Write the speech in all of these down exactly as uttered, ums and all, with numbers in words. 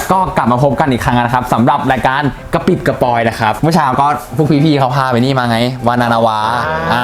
ก็กลับมาพบกันอีกครั้งนะครับสำหรับรายการกระปิบกระปอยนะครับเมื่อเช้าก็พวกพี่ๆเขาพาไปนี่มาไงวานานาวาอ่า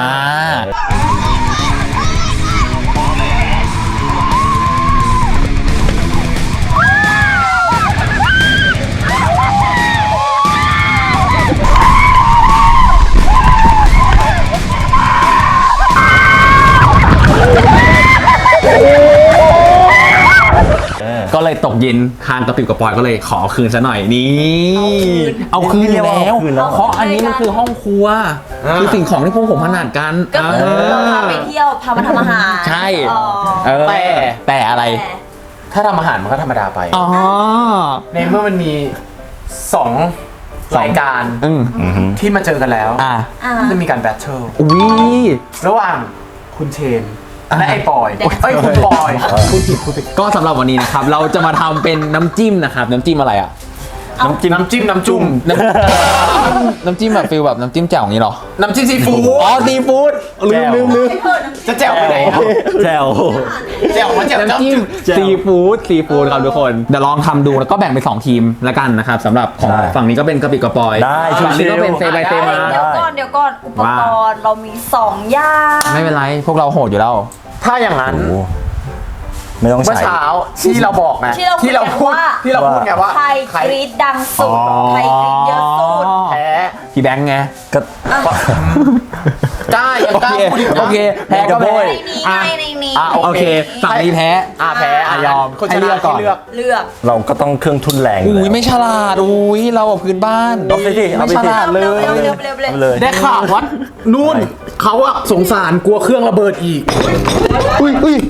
ก็เลยตกเย็นทางกระปิบกระปอยก็เลยขอคืนซะหน่อยนี่เอาคืนอยู่แล้วเพราะอันนี้มันคือห้องครัวคือสิ่งของที่พวกผมถนัดกันก็คือเราพาไปเที่ยวพามาทำอาหารใช่แต่แต่อะไรถ้าทำอาหารมันก็ธรรมดาไปอ๋อในเมื่อมันมีสองรายการที่มาเจอกันแล้วจะมีการแบทเทิลระหว่างคุณเชนและไอ้ปอยเอ้ยคุณปอยคุณผิดคุณผิดก็สำหรับวันนี้นะครับเราจะมาทำเป็นน้ำจิ้มนะครับน้ำจิ้มอะไรอ่ะน้ำจิ้มน้ำจิ้มน้ำจุ่มน้ำจิ้มแบบฟิลแบบน้ำจิ้มแจ่วอย่างนี้หรอน้ำจิ้มซีฟู้ดอ๋อซีฟู้ดลืมลืมลืมจะแจ่วไปไหนแจ่วแจ่วมันแจ่วน้ำจิ้มซีฟู้ดซีฟู้ดครับทุกคนเดี๋ยวลองทำดูแล้วก็แบ่งเป็นสองทีมแล้วกันนะครับสำหรับของฝั่งนี้ก็เป็นกระปิกระปอยฝั่งนี้ก็เป็นเซบายเซมาเดี๋ยวก่อนเดี๋ยวก่อนอุปกรณ์เรามีสองอย่างไม่เป็นไรพวกเราโหดอยู่แล้วถ้าอย่างนั้นไม่ต้องใช้เมื่อเช้าที่เราบอกไงที่เราพูดที่เราพูดไงว่าใครกรี๊ดดังสุดใครกรี๊ดเยอะสุดแพ้พี่แบงค์ไงก็กล้ายังกล้าพูดอีกโอเคแพ้ก็แพ้ในนี้ไงในนี้โอเคฝั่งนี้แพ้อ่าแพ้ยอมให้เลือกก่อนเลือกเลือกเราก็ต้องเครื่องทุนแรงอุ้ยไม่ฉลาดอุ้ยเราพื้นบ้านเอาไปสิไม่ฉลาดเลยได้ข่าวว่านู่นเขาอะสงสารกลัวเครื่องระเบิดอีกอุ้ยอุ้ย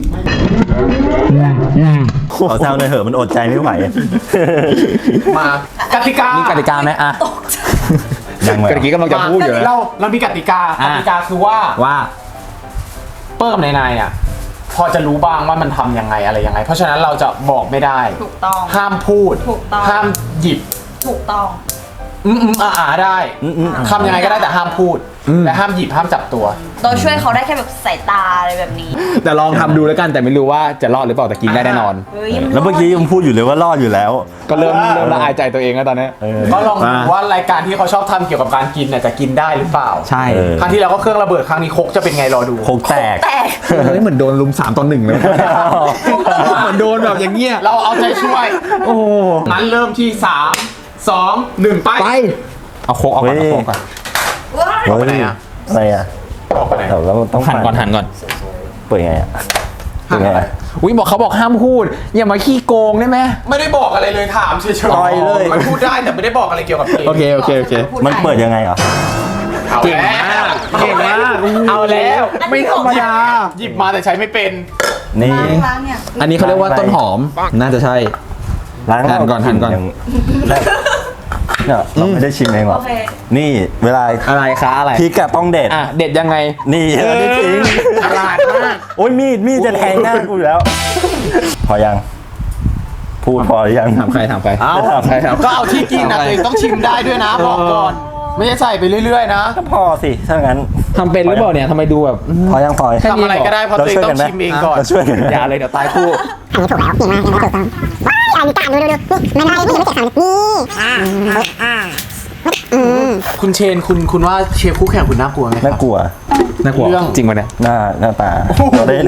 เขาแซวในเหอะมันอดใจไม่ไหวมากติกามีกติกาไหมอ่ะยังไงกติกากำลังจะพูดอยู่เราเรามีกติกากติกาคือว่าว่าเปิ้ลกับนายนายอ่ะพอจะรู้บ้างว่ามันทำยังไงอะไรยังไงเพราะฉะนั้นเราจะบอกไม่ได้ถูกต้องห้ามพูดถูกต้องห้ามหยิบถูกต้องอืมอืมอ่าได้ทำยังไงก็ได้แต่ห้ามพูดและห้ามหยิบห้ามจับตัวเราช่วยเขาได้แค่แบบสายตาอะไรแบบนี้แต่ลองทำดูแล้วกันแต่ไม่รู้ว่าจะรอดหรือเปล่าแต่กินได้แน่นอนแล้วเมื่อกี้ยังพูดอยู่เลยว่ารอดอยู่แล้วก็เริ่มเริ่มละอายใจตัวเองแล้วตอนนี้ก็ลองดูว่ารายการที่เขาชอบทำเกี่ยวกับการกินเนี่ยจะกินได้หรือเปล่าใช่ครั้งที่แล้วก็เครื่องระเบิดครั้งนี้คกจะเป็นไงรอดูคกแตกเฮ้ยเหมือนโดนลุมสามต่อหนึ่งเลยเหมือนโดนแบบอย่างเงี้ยเราเอาใจช่วยโอ้งั้นเริ่มที่สามสองหนึ่งไปไปเอาโคกเอาก่อนเอาโคกก่อนเอาไปไหนอ่ะอะไรอ่ะออกไปไหนเราต้องหันก่อนหันก่อนเปิดไงอ่ะเปิดไงอ่ะอุ้ยบอกเขาบอกห้ามพูดอย่ามาขี้โกงได้ไหมไม่ได้บอกอะไรเลยถามเฉยๆเลยมันพูดได้แต่ไม่ได้บอกอะไรเกี่ยวกับเพลงโอเคโอเคโอเคมันเปิดยังไงอ่ะเก่งมากเก่งมากเอาแล้วไม่ธรรมดาหยิบมาแต่ใช้ไม่เป็นนี่อันนี้เขาเรียกว่าต้นหอมน่าจะใช่หันก่อนหันก่อนเนี่ยเราไม่ได้ชิมเองหรอกนี่เวลาอะไรคะอะไรพริกอะต้องเด็ดอ่ะเด็ดยังไงนี่เออจริงฉลาดมากโอ้ยมีดมีดจะแทงหน้ากูอยู่แล้วพอยังพูดพอหรือยังถามใครถามใครเอาก็เอาที่กินนะตัวต้องชิมได้ด้วยนะบอกก่อนไม่ใช่ใส่ไปเรื่อยๆนะก็พอสิถ้างั้นทำเป็นหรือเปล่าเนี่ยทำไมดูแบบพอยังพอทำอะไรก็ได้เพราะตัวเองต้องชิมเองก่อนช่วยกันอย่าเลยเดี๋ยวตายคู่อันนี้ถูกแล้วเก่งมากยังไม่ถูกต้องว้ายอันนี้กาดดูดูดูนี่มันอะไรนี่ไม่เจ็บขานี่อ่าอ่าคุณเชนคุณคุณว่าเชฟคู่แข่งคุณน่ากลัวไหมครับน่ากลัวน่ากลัวจริงป่ะเนี่ยหน้าหน้าตาเราเล่น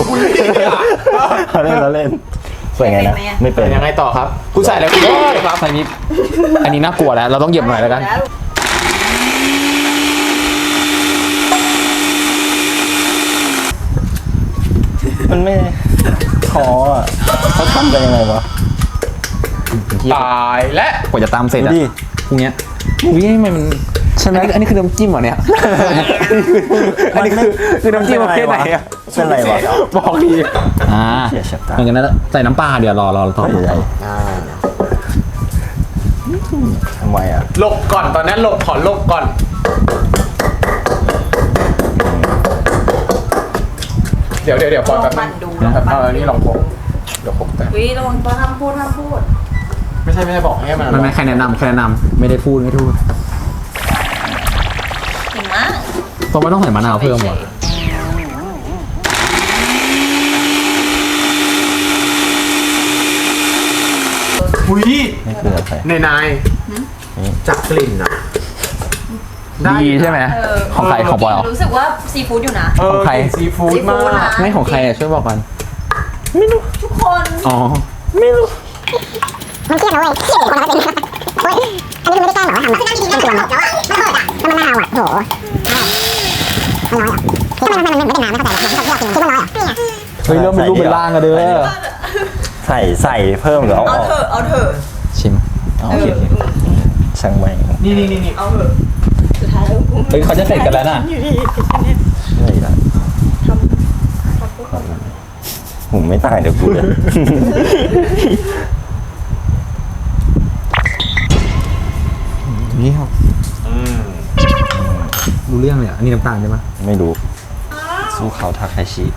เราเล่นเราเล่นสวยไงนะไม่เป็นยังไงต่อครับคุณใส่แล้วคุณครับใส่นิดอันนี้น่ากลัวแล้วเราต้องเหยียบหน่อยแล้วกันมันไม่ท้ออ่ะเขาทำกันยังไงวะตายและกว่าจะตามเสร็จอ่ะพวกเนี้ยอุ้ยมันใช่ไหมอันนี้คือน้ำจิ้มเหรอเนี่ยอันนี้คือคือน้ำจิ้มประเภทไหนอ่ะเป็นไรวะบอกดีอ่าเหมือนกันนะใส่น้ำปลาเดี๋ยวรอรอต่อใหญ่ทำไมอ่ะหลบก่อนตอนนั้นหลบขอหลบก่อนเดี๋ยวเดี๋ยวเดี๋ยวปล่อยแบบนั้นเออนี่ลองพกเดี๋ยวพกแต่วิลองห้ามพูดห้ามพูดไม่ใช่ไม่ใช่บอกให้มันมันไม่ใครแนะนำใครแนะนำไม่ได้พูดไม่พูดเก่งมากตัวไม่ต้องใส่มะนาวเพิ่มหรออุ้ยนี่คืออะไรในนายจากกลิ่นอะได้ดีใช่ไหมเออของใครของบอยเหรอรู้สึกว่าซีฟู้ดอยู่นะเออของใครซีฟู้ดซีฟู้มาดนะกไม่ของใครอ่ะช่วยบอกก่อนทุกคนอ๋อมันเครียดนะเว้ยเครียดคนละเป็นโอ้ยอันนี้คือไม่ได้แกล้งหรอว่าทำแบบเป็นตัวแบบแล้วอ่ะมันเปิดอ่ะแล้วมันน่าเอาอ่ะโหมันร้อยอ่ะทำไมมันมันไม่ได้นานไม่เข้าใจหรอกมันชอบกินคือมันร้อยอ่ะเฮ้ยเริ่มเป็นรูปเป็นร่างกันเด้อใส่ใส่เพิ่มหรือเอาอเอาอกเถอะเอาเถอะชิมอ๋อโอเคโอเคช่างแม่งนี่นี่นี่นี่เอาเถอะสุดท้ายแล้วกูเฮ้ยเขาจะเสร็จกันแล้วน่ะอะไรล่ะผมไม่ต่างเดี๋ยวกูเลยนี่ครับรู้เรื่องเลยอ่ะอันนี้น้ำตาลใช่ไหมไม่รู้สู้เขาทาคาชิ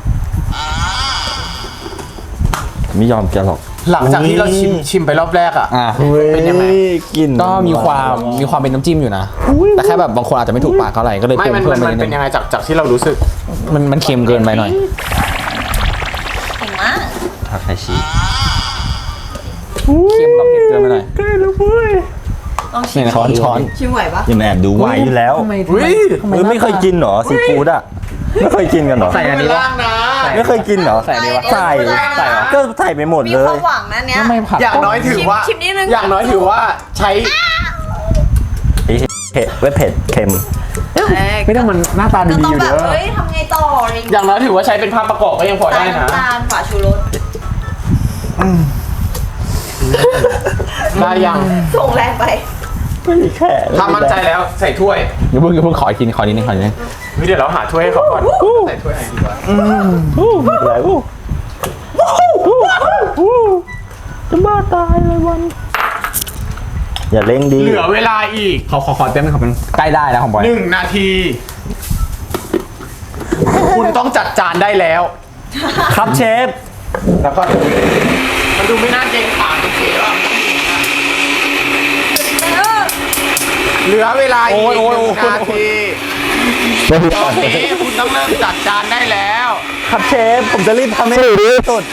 ไม่ยอมแกหรอกหลังจากที่เราชิมชิมไปรอบแรกอะอ่ะเป็นยังไงกินก็มีความมีความเป็นน้ำจิ้มอยู่นะ แต่แค่แบบบางคนอาจจะไม่ถูกปากเท่าไหร่ก็เลยไม่เพิ่มมันเพิ่มัมนไปมันนิดเป็นนึยัง งไงจากจากที่เรารู้สึกมันมันเค็มเกินไปหน่อยเก่งมากทาคาชิเค็มกับเผ็ดเกินไปหน่อยลองชินี่มนะช้อนช้อนชิมไหวปะยังแอบดูไหวอยู่แล้วทำไมอุ้ยเออไม่เคยกินเหรอซีฟู้ดอ่ะไม่เคยกินกันเหรอใส่อันนี้วะล่างนะไม่เคยกินเหรอใส่อันนี้วะใส่ใส่เหรอก็ใส่ไปหมดมีเลควาย มหวังนะเนี้ยทำไมผัดอย่างน้อยถือว่าชิมนิดนึงอย่างน้อยถือว่าใช้ไอ้เผ็ดเว้ยเผ็ดเค็มไม่ต้องมันหน้าตาก็ดีต้อๆงอยู่แบเด้บอเฮ้ยทำไงต่ออะไรอย่างอเงี้ยย่างน้อยถือว่าใช้เป็นภาพประกอบก็ยังพอได้นะน้ำตาลฝาชูรสได้ยังส่งแรงไปไม่มีแค่ถ้ามั่นใจแล้วใส่ถ้วยเดี๋ยวเพิ่งเดี๋ยวเพิ่งขออีกทีขอนิดนึงขอนิดนึงเฮ้ยเดี๋ยวเราหาถ้วยให้เขาก่อนใส่ถ้วยไหนดีวะอู้ไม่เป็นไรอู้จะบ้าตายเลยวัน อย่าเร่งดีเหลือเวลาอีกขอขอขอแป๊บนึงขอเป็นใกล้ได้แล้วของบอยหนึ่งนาที คุณต้องจัดจานได้แล้วครับเชฟแล้วก็มันดูไม่น่าเกรงขามโอเคป่ะเหลือเวลาอีกหนึ่งนาทีตอนนี้คุณต้องเริ่มจัดจานได้แล้วครับเชฟ ผมจะรีบทำให้ดีที่สุด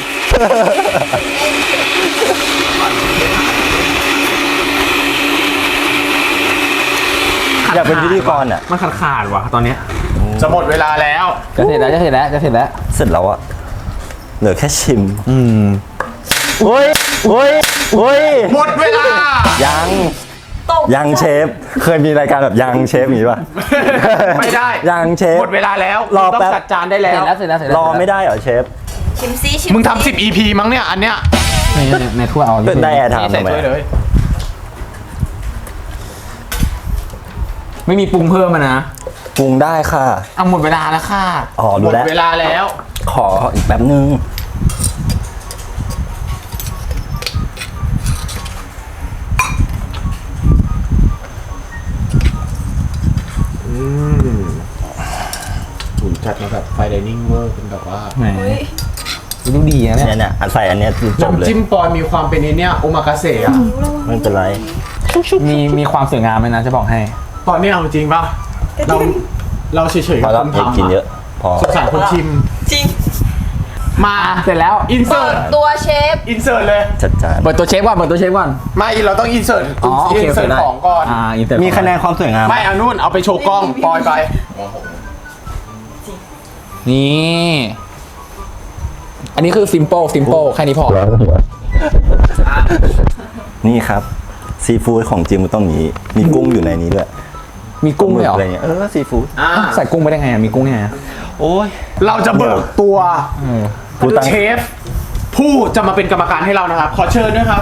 อยากเป็นพิธีกรอ่ะมันขาดขาดว่ะตอนเนี้ยจะหมดเวลาแล้วจะเสร็จแล้วจะเสร็จแล้วจะเสร็จแล้วเสร็จแล้วอ่ะ เหลือแค่ชิมอืมโอ้ยโอ้ยโอ้ยหมดเวลายังตกยังเชฟ เคยมีรายการแบบยังเชฟอย่างนี้ป่ะไม่ได้ยังเชฟหมดเวลาแล้วรอคุณต้อแป๊งบจัดจานได้แล้วเสร็จแล้วเสร็จแล้วเสร็จแล้วรอไม่ได้เหรอเชฟชิมซิชิมมึงทำสิบ อี พี มั้งเนี่ย อันเนี้ยในในในถ้วยเอาได้แอร์ไทม์ใส่ทำไมถ้วยเลยไม่มีปรุงเพิ่มมานะปรุงได้ค่ะเอาหมดเวลาแล้วค่ะอ๋อหมรู้ดแล้วเวลาแล้วขออีกแป๊บนึงผมจัดมาแบบไฟไดนิ่งเวอร์เป็นแบบว่าแหมเฮ้ยดูดีนะเนี่เนี่ยยเนี่ยอันใส่อันเนี้ยจบเลยน้ำจิ้มปอยมีความเป็นไอ้เนี่ยโอมากาเสะอะไม่เป็นไรมีมีความสวยงามไหมนะจะบอกให้ตอนนี้เอาจริงป่ะ เราเราเฉยๆพอกับแล้วคนอย่าทำกินเยอะ พอสงสารคนชิมจริงมาเสร็จแล้วอินเสิเปิร์ดตตัวเชฟอินเสิร์ตเลยจัดจานเปิดตัวเชฟก่อนเปิดตัวเชฟก่อนไม่เราต้องอินเสิร์ตอ๋อโอเคอินโอเคเสิร์ตได้ของก่อนอ่าอินเตอร์มีคะแนนความสวยงามไม่เอานู่นเอาไปโชว์กล้องปอยไปนี่ อันนี้คือ simple simple แค่นี้พอนี่ครับ ซีฟู้ดของจริงมันต้องอย่างนี้ มีกุ้งอยู่ในนี้ด้วยมีกุ้งด้วยเหรออะไรเงี้ย เออ ซีฟู้ดอ่าใส่กุ้งไปได้ไงอะมีกุ้งยังไงอะโอ้ยเราจะเบิกตัวเออกูตั้งเชฟ ผู้จะมาเป็นกรรมการให้เรานะครับ ขอเชิญด้วยครับ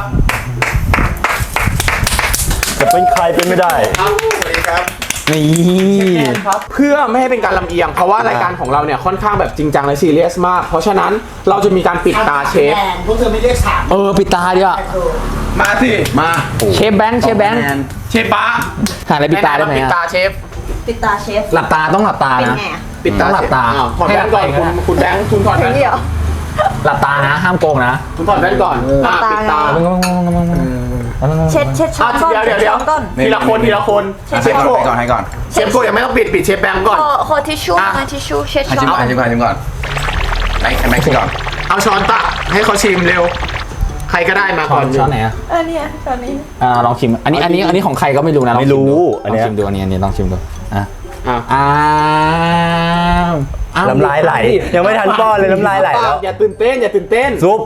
จะเป็นใครเป็นไม่ได้ครับสวัสดีครับนี่ครับเพื่อไม่ให้เป็นการลำเอียง เพราะว่ารายการของเราเนี่ยค่อนข้างแบบจริงจังและซีเรียสมาก เพราะฉะนั้นเราจะมีการปิดตาเชฟพวกเธอไม่เรียกสามเออปิดตาดีกว่ามาสิมาเชฟแบงค์เชฟแบงค์เชฟบ้าหาอะไรปิดตาได้ไหมปิดอะตาเชฟปิดตาเชฟหลับตาต้องหลับตาเป็นนะไงอะปิดตาต้องหลับตาอ้วถอดแว่นก่อนให้คุณหลับตาคุณแบงค์คุณถอดแว่นเดี๋ยวหลับตานะห้ามโกงนะคุณถอดแว่นก่อนอ่ะปิดตาเช็ดเช็ดช้ออ่ะนก่อนเดี๋ยวเดี๋ยวเดี๋ยวช้อนก่อนทีละคนทีละคนเช็ดเชฟก่อนโกก่อนให้ก่อนเชฟโกยังไม่ต้องปิดปิดเชฟแบงค์ก่อนขอขอทิชชู่อ่ะมาทิชชู่เช็ดให้ช้อชิมนก่อนให้ชิมก่อนให้ชิมก่อนไหนให้แม็กซ์ชิมก่อนเอาช้อนตักให้เขาชิมเร็วใครก็ได้มาช้ก่ออน นช้อนไหนอ่ะเออเนี่ยตอนนี้อ่าลองชิมอันนี้อันนี้อันนี้ของใครก็ไม่รู้นะลองไม่ชิมดูรู้ลอันองเนี้ยชิมดูอันนี้อันนี้ลองชิมดูอ่ะอ่ะอ้าวอ้าวน้ำลายไหลยังไม่ทันป้อนเลยน้ำลายไหลแล้วอย่าตื่นเต้นอย่าตื่นเต้นซุป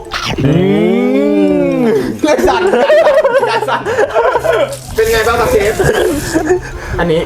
เล่นสั่นอย่าสั่นเป็นไงบ้างครับเชฟอันนี้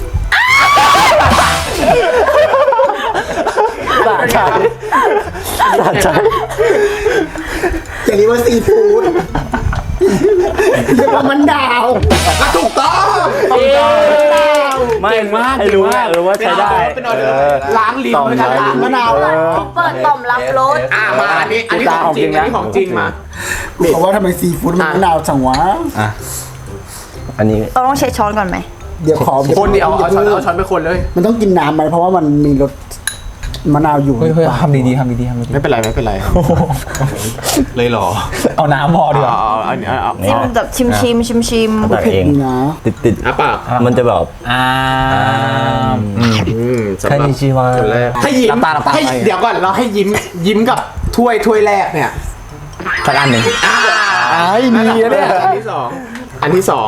สะใจสะใจอย่างนี้ว่าซีฟู้ดเรียกว่ามันดาวก็ถูกต้องไม่เก่งมากให้เก่งรู้มากเออว่าใช้ได้เป็นออเดอร์ล้างลิ้นด้วยกันล้างมะนาวเออเปิดต่อมรับรสอ่ะมาอันนี้อันนี้ของจริงอันนี้ของจริงมาเพราะว่าทำไมซีฟู้ดมันมะนาวจังวะอันนี้เราต้องเช็ดช้อนก่อนไหมเดี๋ยวขอคนเดียวเอาช้อนเอาช้อนไปคนเลยมันต้องกินน้ำไหมเพราะว่ามันมีรสมะนาวอยู่เฮ้ยเฮ้ยทำดีๆทำดีๆทำดีไม่เป็นไรไม่เป็นไรเลยหรอๆเอาน้ำพอดีกว่าเอาอันนี้เอาจิ้มแบบชิมชิมชิมชิมตักเองนี่นะติดติดอ่ะปากมันจะแบบอ้าวอืมอืมสำหแค่รับนี้ชีวาคนแรกให้ยิ้มน้ำตาน้ำตาให้ไปเดี๋ยวก่อนเราให้ยิ้มยิ้มกับถ้วยถ้วยแรกเนี่ยสักอันหนึ่งอ่าอ้ายมีนะเนี่ยอันที่สองอันที่สอง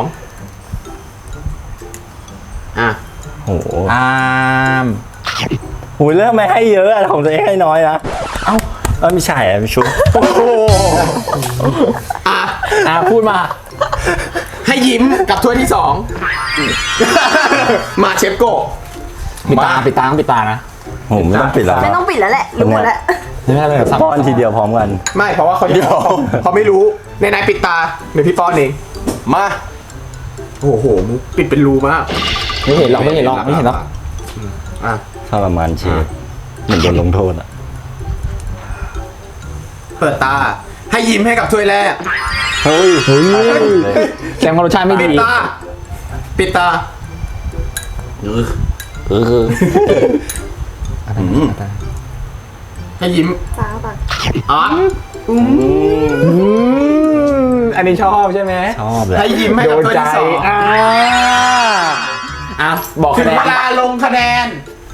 อ่ะโอ้โหอ้ามหูยเริ่มไม่ให้เยอะอะของตัวเองให้น้อยนะ เอ้าเออไม่ใช่อะไม่ชุบอ่ะอ่าพูดมาให้ยิ้มกับถ้วยที่สองมาเชฟโกะปิดตาปิดตาต้องปิดตานะโหไม่ต้องปิดแล้วไม่ต้องปิดแล้วแหละรู้หมดแล้วไม่ได้เลยสับป้อนทีเดียวพร้อมกันไม่เพราะว่าเขาเดี๋ยวเขาไม่รู้ในนายปิดตาเดี๋ยวพี่ป้อนเองมาโอ้โหมึงปิดเป็นรูมากไม่เห็นหรอกไม่เห็นหรอกไม่เห็นหรอกอ่ะทรมานเชฟเหมือนโดนลงโทษอ่ะเปิดตาให้ยิ้มให้กับถ้วยแรกเฮ้ยเฮ้ยแสดงว่ารสชาติไม่ปิดีดตาปิดตาเออให้ยิ้มตาปากอ๋ออันนี้ชอบใช่ไหมชอบแหละให้ยิ้มให้กับถ้วยที่สองอ่าอ่ะบอกถึคะงแนเวน ลาลงคะแนน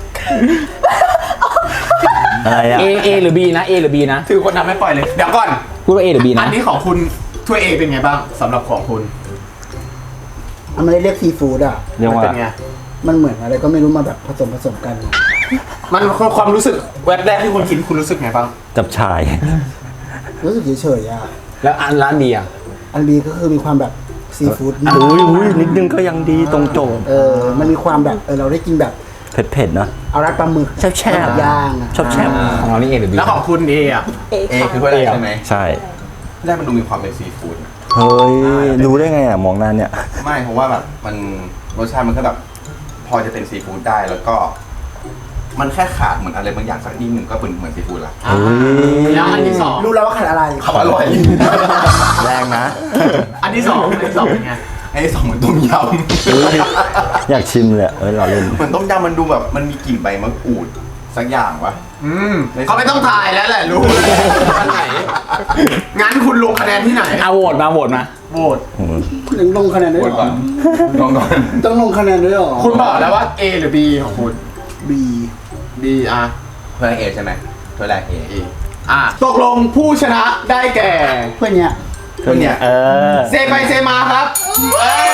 อะไรอ่ะ A A หรือ B นะ A หรือ B นะถือคนทำให้ปล่อยเลยเดี๋ยวก่อนพูดว่า A หรือ B อันะนนี้ของคุณถ้วยเอเป็นไงบ้างสำหรับของคุณมันไม่ได้เรียกซีฟู้ดอ่ะเรียกมันว่าเป็นไงมันเหมือนอะไรก็ไม่รู้มาแบบผสมผสมกันมันความรู้สึกแวบแรกที่คุณคิดคุณรู้สึกไงบ้างจับชายรู้สึกเฉยๆอ่ะแล้วอันร้าน B อ่ะอันบีก็คือมีความแบบซีฟู้ดอุ้ยอุ้ยนิดนึงก็ยังดีตรงโจทย์เออมันมีความแบบเออเราได้กินแบบเผ็ดเผ็ดๆเนอะเอารัดปลาหมึกแช่ๆแบบย่างอะชอบแช่บของเรานี่ A หรือ B แล้วของคุณเออ่ะเอเอคือถ้วยแรกใช่ไหมใช่แรกมันดูมีความเป็นซีฟู้ดเฮ้ยรู้ได้ไงอ่ะมองหน้าเนี่ยไม่เพราะว่าแบบมันรสชาติมันก็แบบพอจะเป็นซีฟู้ดได้แล้วก็ มันแค่ขาดเหมือนอะไรบางอย่างสักนิดหนึ่งก็เป็นเหมือนซีฟู้ดละเฮ้ยแล้วอันที่สองรู้แล้วว่าขาดอะไรเขาอร่อยแรงนะอันที่สองอันที่สองเป็นไงไอ้สองเหมือนต้มยอยากชิมเลยเอ้ยเราเล่นำ เหมือนต้มยำมันดูแบบมันมีกลิ่นใบมะกรูดสักอย่างวะอืมเขาไม่ต้องถ่ายแล้วแหละรู้อันไหนงั้นคุณลงคะแนนที่ไหนเอาโหวตมาโหวตมาโหวตถึงลงคะแนนด้วยกเหดรก่ออนลองก่อนต้องลงคะแนนด้วยเหรอคุณบอกแล้วว่า A หรือ B ของคุณบี B อ่ะถ้วยแรกเอใช่ไหมถ้วยแรกเอ A อ่ะตกลงผู้ชนะได้แก่เพื่อนเนี้ยเพื่อนเนี่ยเออเซไปเซมาครับเอ้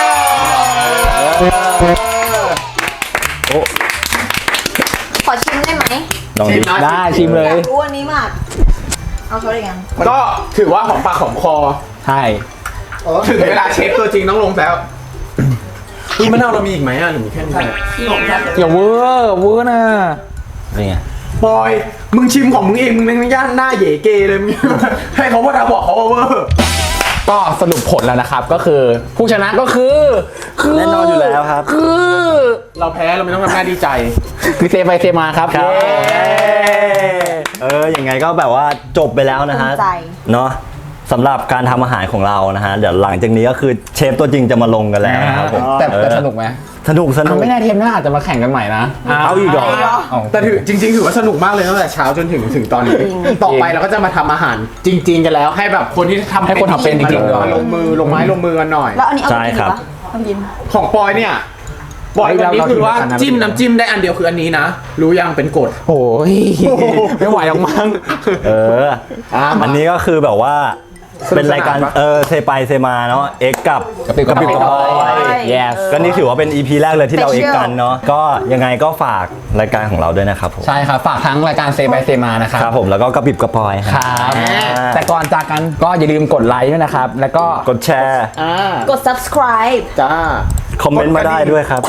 ยโอ้ขอชิมได้ไหมลองดินะได้ชิมเลอย ยากรู้อันนี้มาก เอาช้อนอีกยังก็ถือว่าของปากของคอใช่ถึงเวลาเชฟตัวจริงต้องลงแล้วคุณมะนาวเรามีอีกไหมอ่ะหรือมีแค่นี้อย่าเวอร์เวอร์นะเป็นไงบอย มึงชิมของมึงเองมึงไม่ย่านหน้าเหย่เกเลยมึง ให้เขาว่าทำบอกเขาว่าเวอร์ก็สรุปผลแล้วนะครับก็คือผู้ชนะก็คือคือแน่นอนอยู่แล้วครับคือเราแพ้เราไม่ต้องทำหน้าดีใจคือเซไปเซมาครับครับเย้เออยังไงก็แบบว่าจบไปแล้วนะฮะภูมิใจเนาะสำหรับการทำอาหารของเรานะฮะเดี๋ยวหลังจากนี้ก็คือเชฟตัวจริงจะมาลงกันแล้วนะครับผมแต่แต่เออสนุกไหมสนุกสนุเอากไม่แน่เทปหน้าอาจจะมาแข่งกันใหม่นะเอาอีกเหรอเอาแต่ถือจริง ๆ ถือว่าสนุกมากเลยตั้งแต่เช้าจนถึงถึงตอนนี้ ต่อไปเราก็จะมาทำอาหารจริง ๆ กันแล้ว ให้แบบคนที่ทำให้คนทำเป็นจริงๆมาลงมือลงไม้ลงมือกันหน่อยแล้วอันนี้เอาใช่ไปกินครับปะเอาไปกินของปอยเนี่ยบอยวันนี้คือว่าจิ้มน้ำจิ้มได้อันเดียวคืออันนี้นะ รู้ยังเป็นกฎโอ้ยไม่ไหวหรอกมั้งเออ อันนี้ก็คือแบบว่าเป็นรายการเออเซไปเซมาเนาะเอ็กกับกระปิบกระปิบกระปอย yes ก็นี่ถือว่าเป็น อี พี แรกเลยที่เราเอ็กกันเนาะก็ยังไงก็ฝากรายการของเราด้วยนะครับผมใช่ครับฝากทั้งรายการเซบายเซมานะครับครับผมแล้วก็กระปิบกระปอยครับ แต่ก่อนจากกันก็อย่าลืมกดไลค์ด้วยนะครับ แล้วก็กดแชร์กด subscribe จ้าคอมเมนต์มาได้ด้วยครับ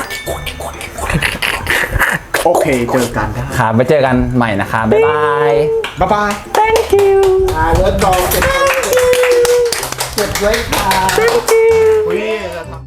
โอเคเจอกันได้ครับไปเจอกันใหม่นะครับ บ๊ายบายบ๊ายบาย thank you อ่าเลิศกองเก็บไว้เก็บไว้ค่ะอุ้ย